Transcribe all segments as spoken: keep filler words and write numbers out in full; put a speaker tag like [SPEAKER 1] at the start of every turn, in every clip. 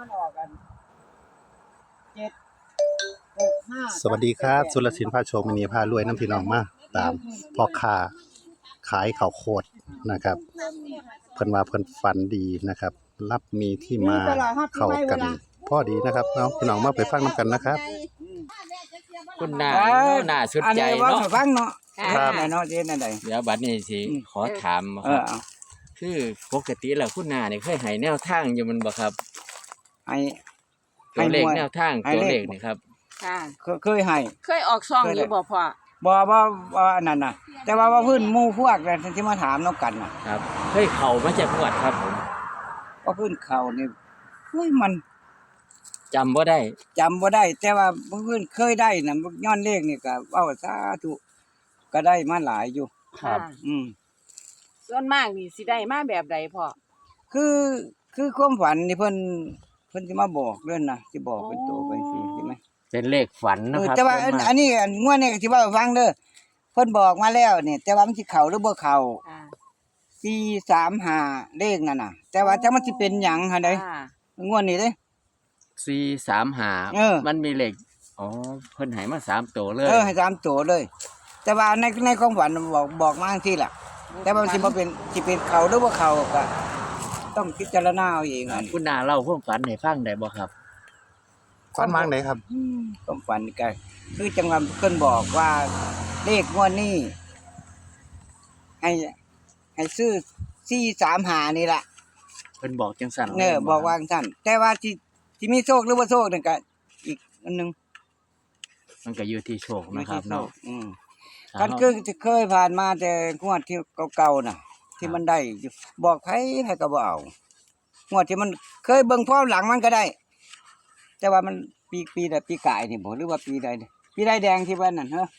[SPEAKER 1] มันออกกันเจ็ดหกห้า
[SPEAKER 2] สวัสดีครับสุรศิลป์พาโชคมินีพารวยน้ำพี่น้องมาตามพ่อค้าขายข้าวโพดนะครับเพิ่นว่าเพิ่นฝันดีนะครับรับมีที่มาเข้ากันพอดีนะครับเนาะพี่น้องมาไปฟังน้ำกันนะครับ
[SPEAKER 3] คุณหน้า
[SPEAKER 1] เอ้ย
[SPEAKER 3] หน้าสุด
[SPEAKER 1] อัน
[SPEAKER 3] ใจ
[SPEAKER 1] นี้ว่า
[SPEAKER 3] เนาะ
[SPEAKER 1] ให้ฟังเนาะ
[SPEAKER 2] ครับ
[SPEAKER 1] แม่เนาะเจ๊นั่นใด
[SPEAKER 3] เดี๋ยวบัดนี้สิ
[SPEAKER 1] อืม
[SPEAKER 3] ขอถาม
[SPEAKER 1] เอ
[SPEAKER 3] ครั
[SPEAKER 1] อบ เอา
[SPEAKER 3] คือปกติแล้วคุณหน้าเนี่ยเคยให้แนวทางอยู่มันบ่ครับ
[SPEAKER 1] ให้
[SPEAKER 3] ตัวเลข
[SPEAKER 1] ให้มวย
[SPEAKER 3] แนวทาง
[SPEAKER 1] ให้
[SPEAKER 3] ตัว
[SPEAKER 1] เล
[SPEAKER 3] เล
[SPEAKER 1] ข
[SPEAKER 3] ขนี่ครับ
[SPEAKER 4] ค่ะ
[SPEAKER 1] เคยเคยให้
[SPEAKER 4] เคยออกซองอยู่บ่พ่อ
[SPEAKER 1] บ่บ่บ่อันนั้นน่ะ แต่ว่าว่าเพื้นหมู่พวกนั่นที่มาถามนำกันน่ะ
[SPEAKER 3] ครับเคยเข้ามาจากงวดครับผม
[SPEAKER 1] ว่าเพื้นเขานี่เฮ้ยมัน
[SPEAKER 3] จำบ่ได้
[SPEAKER 1] จำบ่ได้ แต่ว่าเพื้นเคยได้น่ะย้อนเลขนี่ก็เว้าสาธุก็ได้มาหลายอยู่
[SPEAKER 3] ครับ
[SPEAKER 4] ะ
[SPEAKER 1] อืม
[SPEAKER 4] ส่วนมากนี่สิได้มาแบบใดพ่อ
[SPEAKER 1] คือคือความฝันนี่เพิ่นเพิ่นสิมาบอกเด้อนนะสิบอกเป็นตัวไปสิใช่ไหม
[SPEAKER 3] เป็นเลขฝัน
[SPEAKER 1] เอ
[SPEAKER 3] นะ
[SPEAKER 1] อ
[SPEAKER 3] ครับ
[SPEAKER 1] แต่ว่าอัน
[SPEAKER 3] ส่มก
[SPEAKER 1] อันนี้อันงวดนี้ก็สิเว้าให้ฟังเด้อเพิ่นบอกมาแล้วนี่แต่ว่ามันสิเข้าหรือบ่เข้า
[SPEAKER 4] ค่ะ
[SPEAKER 1] สี่ สาม ห้าเลขนั่นน่ะ แต่ว่าจักมันสิเป็นหยังหั่นเด้
[SPEAKER 4] ค่ะ
[SPEAKER 1] งวดนี้เด้
[SPEAKER 3] สี่สามห้า
[SPEAKER 1] เออ
[SPEAKER 3] มันมีเลขอ๋อเพิ่นให้มาสามตัวเลย
[SPEAKER 1] เออให้ตามตัวเลย แต่ว่าในในความฝันบอกบอกมาจังซี่ล่ะ แต่ว่ามันสิบ่เป็นสิเป็นเข้าหรือบ่เข้าก็ต้องพิจารณาเอาเอง
[SPEAKER 3] ครั
[SPEAKER 1] อั
[SPEAKER 3] บ
[SPEAKER 1] น
[SPEAKER 3] คุณหน้าเล่าความฝันให้ฟังได้บ่ครับ
[SPEAKER 2] ฝันวางไหนครับ
[SPEAKER 1] อืมความฝันนี่ก็คือจังหวะเพิ่นบอกว่าเลขงวดนี้ให้ให้ซื้อสี่ สาม ห้านี่ล่ะ
[SPEAKER 3] เพิ่นบอกจังสั่น
[SPEAKER 1] เออบอกว่าจังซั่นแต่ว่าที่ที่มีโชคหรือบ่โชคนั่นก็อีกอันหนึง
[SPEAKER 3] มันก็อยู่ที่โชคนะครับเนาะ
[SPEAKER 1] อืม
[SPEAKER 3] ค
[SPEAKER 1] กั
[SPEAKER 3] รั
[SPEAKER 1] น
[SPEAKER 3] บ
[SPEAKER 1] คือที่เคยผ่านมาแต่งวดที่เก่าๆน่ะ ที่มันได้อยู่บอกไผไผก็บ่เอางวดที่มันเคยเบิ่งพร้อมหลังมันก็ได้ แต่ว่ามันปีปีใดปีกายนี่บ่หรือว่าปีใดนี่ปีใดแดงที่ว่านั่นเฮ้อ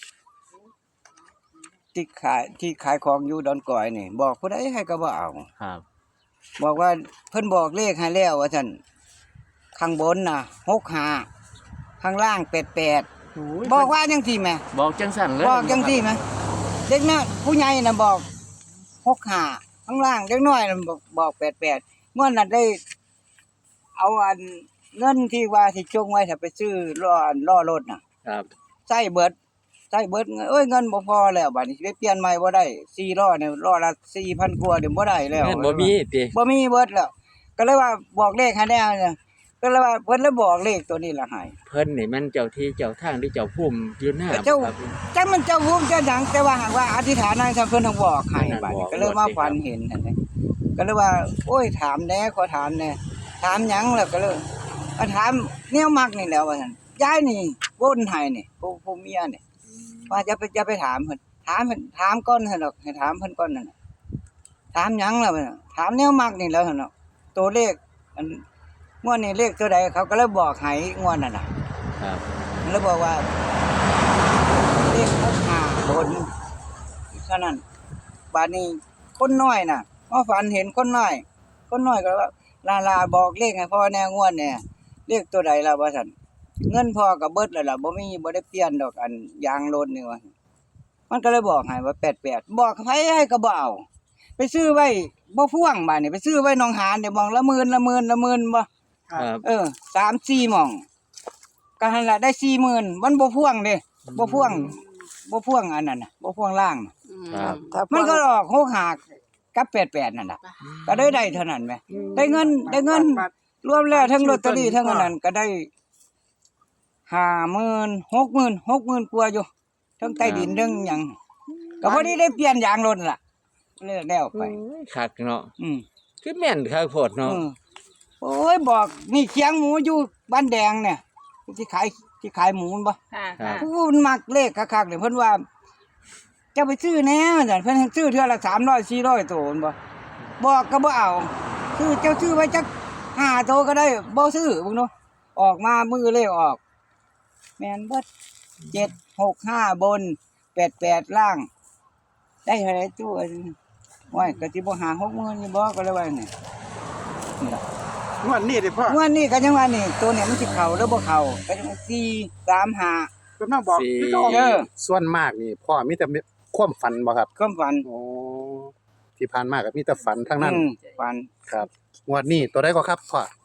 [SPEAKER 1] ที่ขายที่ขายของอยู่ดอนก่อยนี่ บอกผู้ใดให้ก็บ่เอา
[SPEAKER 3] ครับ
[SPEAKER 1] บอกว่าเพิ่นบอกเลขให้แล้วว่าซั่นข้างบนน่ะหกห้าข้างล่างแปดแปดบอกว่าจังซี่แหม
[SPEAKER 3] บอกจังสั่นเลย
[SPEAKER 1] บอกจังซี่แหมเด็กน้อยผู้ใหญ่น่ะบอกหกห้าข้างล่างเด็กน้อยน่ะบอกบอกแปดแปดเมื่อนั้นได้ เอาอันเงินที่ว่าที่จงไว้ถ้าไปซื้อล้ออันล้อรถน่ะ
[SPEAKER 3] ครับ
[SPEAKER 1] ใช้เบิดใช้เบิดเงินเอ้ยเงินบ่พอแล้วบัดนี้สิไปเปลี่ยนใหม่บ่ได้สี่ล้อเนี่ยล้อละ สี่พัน กว่าเดี๋ยวบ่ได้แล้ว
[SPEAKER 3] เงินบ่มีติ
[SPEAKER 1] บ่มีเบิดแล้ว ก็เลยว่าบอกเลขให้แน่เนี่ยก็เลยว่าเพิ่นเลยบอกเลขตัวนี้ล่ะให้
[SPEAKER 3] เพิ่นนี่มันเจ้าที่เจ้าทางหรือเจ้าภูมิอยู่หน้า
[SPEAKER 1] เจ้า
[SPEAKER 3] ครับ
[SPEAKER 1] จังมันเจ้าภูมิเจ้าหยังแต่ว่าหากว่าอธิษฐานให้เพิ่นต้องบอกให้
[SPEAKER 3] นั่น
[SPEAKER 1] บัด
[SPEAKER 3] บ
[SPEAKER 1] นี้
[SPEAKER 3] อก
[SPEAKER 1] ก็เลยมา
[SPEAKER 3] บอกสิ
[SPEAKER 1] ฝันเห็นนั่นแหละก็เลยว่า โอ้ยถามแหน่ขอถามแหน่ถามหยังแล้วก็เลยก็ถามแนวมักนี่แหล้วว่าซั่นยายนี่วนให้นี่ผู้ผู้เมียนี่ว่าจะไปจะไปถามเพิ่นถามเพิ่นถามก่อนหั่นดอกให้ถามเพิ่นก่อนนั่นน่ะถามหยังแล้วว่าซั่นถามแนวมักนี่แหล้วหั่นดอกตัวเลขอันงวดนี้เลขตัวใดเขาก็เลยบอกให้งวดนั่นน่ะ
[SPEAKER 3] ครับ
[SPEAKER 1] แล้วบอกว่าเลขหกห้าบนเท่านั้นบาดนี้คนน้อยน่ะมาฝันเห็นคนน้อย คนน้อยก็ว่าลาลาบอกเลขให้พ่อแน่งวดเนี่ยเลขตัวใดล่ะว่าซั่นเงินพ่อก็เบิดแล้วล่ะบ่มีบ่ได้เปลี่ยนดอกอันยางรถนี่ว่ามันก็เลยบอกให้ว่าแปดแปดบอกไผให้ก็บ่เอาไปซื้อไว้บ่พ่วงบาดนี้ไปซื้อไว้หนองหานเดี๋ยวมองละหมื่นละหมื่นละหมื่นบ่
[SPEAKER 3] ครับ
[SPEAKER 1] เออสาม สี่หม่องก็หั่นล่ะได้ สี่หมื่นมันบ่พ่วงเด้บ่พ่วงบ่พ่วงอันนั้นน่ะบ่พ่วงล่างน่ะ
[SPEAKER 4] อืม
[SPEAKER 3] ครับ
[SPEAKER 1] มันก็ออกหกห้ากับแปดแปดนั่นน่ะก็ได้ได้เท่านั้นแหมได้เงินได้เงิน รวมแล้วทั้งลอตเตอรี่ทั้งอันนั้นก็ได้ ห้าหมื่น หกหมื่น หกหมื่นกว่าอยู่ทั้งใต้ดินทั้งหยังก็พอดีได้เปลี่ยนยางรถล่ะเลิกแล้วไป
[SPEAKER 3] คักเนาะ
[SPEAKER 1] อืม
[SPEAKER 3] คือแม่นคักโพดเนาะ
[SPEAKER 1] เออโอ้ยบอกนี่เคียงหมูอยู่บ้านแดงเนี่ยที่ขายที่ขายหมูมันบ่
[SPEAKER 4] ค่ะค่ะ
[SPEAKER 1] ผู้มันมักเลขคักๆเนี่ยเพิ่นว่าจะไปซื้อแหน่จังเพิ่นให้ซื้อเทื่อละสามร้อย สี่ร้อยโตมันบ่บอกก็บ่เอาซื้อเจ้าซื้อไว้จักห้าโตก็ได้บ่ซื้อเบิ่งเนาะออกมามือเลขออก แม่นเบิดเจ็ด หก ห้าบนแปด แปดล่าง ได้เท่าไหร่ตู้อันโอ้ยก็สิบ่หา หกหมื่นนี่บ่ก็เลยว่านี่นี่ล่ะ
[SPEAKER 2] งวดนี้ดิพ่อง
[SPEAKER 1] วดนี้ก็ยังว่านี่ตัวเนี่ยมันสิเข้าหรือบ่เข้าก็จังว่าสี่ สาม ห้า
[SPEAKER 2] เพิ่นมาบอก
[SPEAKER 3] สี่
[SPEAKER 2] คือเก่า
[SPEAKER 1] เออ
[SPEAKER 2] ส่วนมากนี่พ่อมีแต่ความฝันบ่ครับ
[SPEAKER 1] ความฝัน
[SPEAKER 2] โอ้ที่ผ่านมาก็มีแต่ฝันทั้งนั้น
[SPEAKER 1] อืมฝัน
[SPEAKER 2] ครับงวดนี้ตัวใดก็ครับพ่อ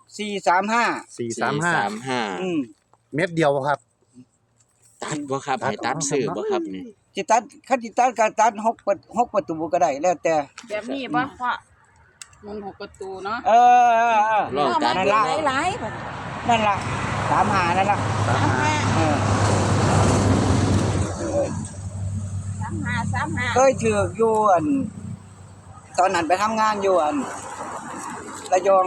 [SPEAKER 1] สี่สามห้า
[SPEAKER 2] สี่สามห้า
[SPEAKER 3] สามห้า
[SPEAKER 1] อืม
[SPEAKER 2] เม็ดเดียวครับ
[SPEAKER 3] ตัดบ่ครับให้ตัดซื้อบ่ครับนี่
[SPEAKER 1] จิตัดคันจิตัดก็ตัดหกประหกประตูก็ได้แล้วแต่
[SPEAKER 4] แบบนี้บ่พ่อมันหกประตูเนาะ
[SPEAKER 1] เออเออเออ
[SPEAKER 3] ลองตัด
[SPEAKER 1] นั่น
[SPEAKER 3] เบิ่
[SPEAKER 1] ล่ะ
[SPEAKER 3] ง
[SPEAKER 4] หลายๆบัด
[SPEAKER 1] นั่นล่ะสามหานั่นล่ะ
[SPEAKER 2] สามห้า
[SPEAKER 1] เออ
[SPEAKER 4] สามห้าสามห้า
[SPEAKER 1] เคยถือกอยู่อันตอนนั้นไปทำงานอยู่อันระยอง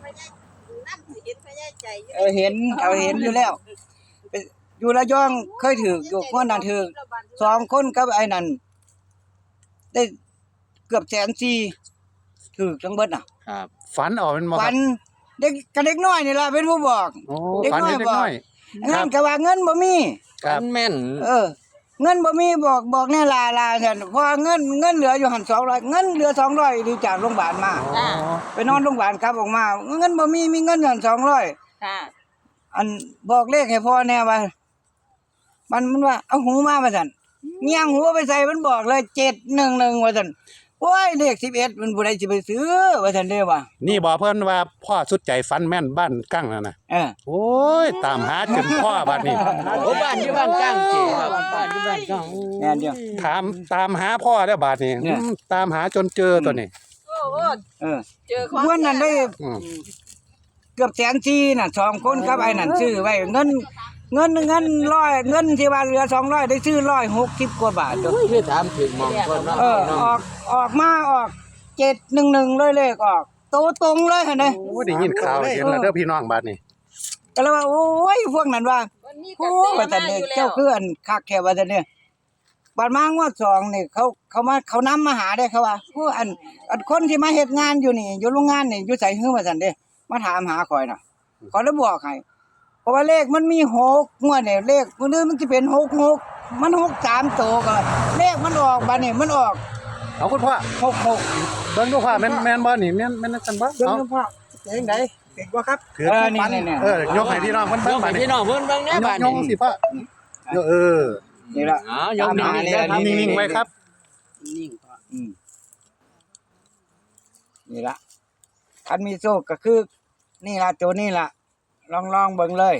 [SPEAKER 1] เออเห็นเอาเห็นอยู่แล้วไปอยู่ระยองเคยถือกอยู่คนนั้นถือกสองคนกับไอ้นั่นได้เกือบแสนสี่ถือกทั้งเบิดน่ะ
[SPEAKER 3] ครับ
[SPEAKER 2] ฝันออกเป็นบ่ค
[SPEAKER 1] ฝั
[SPEAKER 2] รับ
[SPEAKER 1] นเด็กกับเด็กน้อยนี่ล่ะเป็นผู้บอก
[SPEAKER 2] โอ้
[SPEAKER 1] เด็ก
[SPEAKER 2] ฝัน
[SPEAKER 1] น้อย
[SPEAKER 2] เล็ก
[SPEAKER 1] บอก
[SPEAKER 2] น้อย
[SPEAKER 1] งั้นก็ว่าเงินบ่มี
[SPEAKER 2] ครับ
[SPEAKER 3] ฝันแม่น
[SPEAKER 1] เออ เงินบ่มีบอกบอกแน่ลาลาซั่นเพราะว่าเงินเงินเหลืออยู่หั่นสองร้อยเงินเหลือสองร้อยดีจากโรงพยาบาลมา
[SPEAKER 2] อ๋อ
[SPEAKER 1] ไปนอนโรงพยาบาลกลับออกมา เงินบ่มีมีเงินอยู่หั่นสองร้อย
[SPEAKER 4] ค่ะ
[SPEAKER 1] อันบอกเลขให้พ่อแน่ว่า มันมันว่าเอาหูมาว่าซั่นเงียงหูไปใส่มันบอกเลยเจ็ดหนึ่งหนึ่งว่าซั่นโอ้ยเลขสิบเอ็ดมันบ่ได้สิไปซื้อว่าซั่นเด้อว่า
[SPEAKER 2] นี่บอกเพิ่นว่าพ่อสุดใจฝันแม่นบ้านกั้งนั่นน่ะ
[SPEAKER 1] เออ
[SPEAKER 2] โอ้ยตามหาจนพ่อบัดนี้
[SPEAKER 3] โอ้บ้านอยู่บ้านกลางเจครับบ้านอยู่บ้านกลาง
[SPEAKER 1] แม่นเดียว
[SPEAKER 2] ถามตามหาพ่อแล้วบัดนี้
[SPEAKER 1] เนี่ย
[SPEAKER 2] อืมตามหาจนเจอตัวนี้
[SPEAKER 4] โอ้โอ้
[SPEAKER 1] เออ
[SPEAKER 4] เจอของ
[SPEAKER 1] วันนั้นได้
[SPEAKER 2] อืม
[SPEAKER 1] เกือบแสนสี่น่ะสองคนครับไอ้นั่นซื้อไว้เงินเงินเงินร้อยเงินที่ว่าเหลือสองร้อยได้ซื้อร้อยหกสิบกว่าบาทจ้ะ
[SPEAKER 3] โอ้ยคือถามถึงหมองคนเนาะ
[SPEAKER 1] เออออกออกมาออกเจ็ดหนึ่งหนึ่งเลยเลขออกโตตรงเลยเห็นไหม
[SPEAKER 2] โอ้ยได้ยินข่าวเห็นแล้วเด้อพี่น้องบัดนี้
[SPEAKER 1] ก็เลยว่าโอ้ยพวกนั้นว่า
[SPEAKER 4] มันมีก
[SPEAKER 1] โอ้
[SPEAKER 4] ระแส
[SPEAKER 1] ว่าแต่
[SPEAKER 4] มา
[SPEAKER 1] เนี่
[SPEAKER 4] อย ยู่แล้ว
[SPEAKER 1] เจ้าคืออันคักแค่ว่าแต่เนี่ยบาดมางวดสองนี่เขาเขามาเขานำมาหาได้เขาว่าผู้อันอันคนที่มาเฮ็ดงานอยู่นี่อยู่โรงงานนี่อยู่ใส่ฮื้อว่าซั่นเด้มาถามหาข่อยน่ะขอยเลยบอกให้เพราะว่าเลขมันมีหกงวดเนี่ยเลขมื้อนี้มันสิเป็นหกหกมันหกสามโตก็เลขมันออกบัดนี้มันออก
[SPEAKER 2] เอาคุณพ่อ
[SPEAKER 1] หกหก
[SPEAKER 2] เบิ่งดูพ่อแม่นแม่นบ่นี่แม่นแม่นกันบ่
[SPEAKER 1] เบิ่ง
[SPEAKER 2] เอา
[SPEAKER 1] ดูพ่อเป็นจังไดเก่งบ่ครับ
[SPEAKER 2] ถือ
[SPEAKER 1] เออ
[SPEAKER 2] ปัน
[SPEAKER 1] นี่ๆๆ
[SPEAKER 2] เออยกให้พี่น้องเพิ่น
[SPEAKER 3] ย
[SPEAKER 2] เบิ่ง
[SPEAKER 3] ก
[SPEAKER 2] บั
[SPEAKER 3] ให้
[SPEAKER 2] ดนี้
[SPEAKER 3] พี่น้องเพิ่นเบิ่งแหน่บ้าน
[SPEAKER 2] ยก
[SPEAKER 3] นี้
[SPEAKER 2] สิพ่อเออ
[SPEAKER 1] นี่ล่ะ
[SPEAKER 3] อ๋อยกนิ่งๆเด้อครับ
[SPEAKER 2] นิ่งๆไว้ครับ
[SPEAKER 1] นิ่งพ่ออืมนี่ล่ะคันมีโชคก็คือ นี่ล่ะตัวนี้ล่ะ ลองลองเบิ่งเลย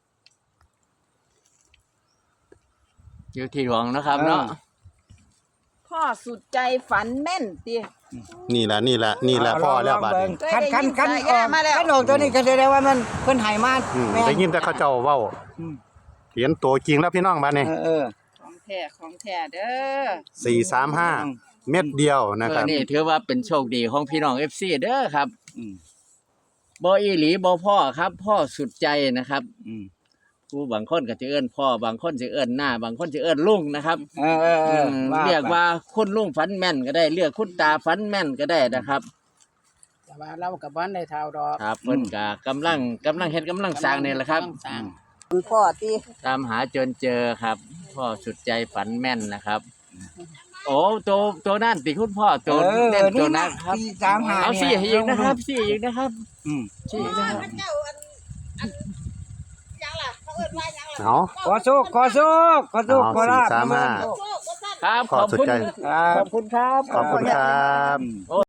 [SPEAKER 3] อยู่ที่หลวงนะครับเนาะ
[SPEAKER 4] พ่อสุดใจฝันแม่นติ
[SPEAKER 2] นี่ล่ะนี่ล่ะนี่ล่ะพ่อแล้วบัดนี้
[SPEAKER 1] คันคันคัน
[SPEAKER 4] ได้ยิน
[SPEAKER 1] อ
[SPEAKER 4] สาย
[SPEAKER 1] อก
[SPEAKER 4] ยามาแล้ว
[SPEAKER 1] คันออกตัวนี้ก็แสดงว่ามันเพิ่นให้มา
[SPEAKER 2] อืม
[SPEAKER 1] แม่น
[SPEAKER 2] ได้ยินแต่เขาเจ้าเว้า
[SPEAKER 1] อืม
[SPEAKER 2] เห็นตัวจริงแล้วพี่น้องบัดนี้
[SPEAKER 1] เออเออ
[SPEAKER 4] ของแท้ของแท้เด้อ
[SPEAKER 2] สี่สามห้าเม็ดเดียวนะ
[SPEAKER 3] เอ
[SPEAKER 2] ครั
[SPEAKER 3] อบ นี่ถือว่าเป็นโชคดีของพี่น้อง เอฟ ซี เด้อครับ
[SPEAKER 1] อืม
[SPEAKER 3] บ่อีหลีบ่พ่อครับ พ่อสุดใจนะครับ
[SPEAKER 1] อืม
[SPEAKER 3] ผู้บางคนก็จะเอิ้นพ่อบางคนจะเอิ้นหน้า บางคนจะเอิ้นลุงนะครับ
[SPEAKER 1] เออเออเออ
[SPEAKER 3] ม
[SPEAKER 1] ว่า
[SPEAKER 3] เรียก
[SPEAKER 1] ไป
[SPEAKER 3] ว่าคุณลุงฝันแม่นก็ได้เรียกคุณตาฝันแม่นก็ได้นะครับ
[SPEAKER 5] แต่ว่าเรากับบ้านได้เท่าดอก
[SPEAKER 3] ครับเพิ่นก็กำลังกำลังเฮ็ดกำลังสร้างนี่แหละครับ
[SPEAKER 5] สร้าง
[SPEAKER 4] คุณพ่อติ
[SPEAKER 3] ตามหาจนเจอครับ พ่อสุดใจฝันแม่นนะครับ โอ้ตัวตัวนั่นติคุณพ่อตัว
[SPEAKER 1] เออ
[SPEAKER 3] เล่นตัว
[SPEAKER 1] นี่
[SPEAKER 3] นั้
[SPEAKER 1] นะ
[SPEAKER 3] นครับ
[SPEAKER 1] สี่สามห้า
[SPEAKER 3] เอา
[SPEAKER 1] นี่
[SPEAKER 3] สี่อีกนะครับสี่อีกนะครับ
[SPEAKER 1] อืม
[SPEAKER 3] สี่อีกนะครับ
[SPEAKER 2] เอา
[SPEAKER 1] ขอโชคขอโชคขอโชค
[SPEAKER 2] เอา
[SPEAKER 1] ขอลาภ
[SPEAKER 2] สี่สามห้า
[SPEAKER 3] ครับ
[SPEAKER 2] พ่อ
[SPEAKER 3] ขอบ
[SPEAKER 2] สุด
[SPEAKER 3] คุณ
[SPEAKER 2] ใจ
[SPEAKER 1] ครับ
[SPEAKER 3] ขอบคุณครับ
[SPEAKER 2] ขอบคุณครับ
[SPEAKER 1] อืม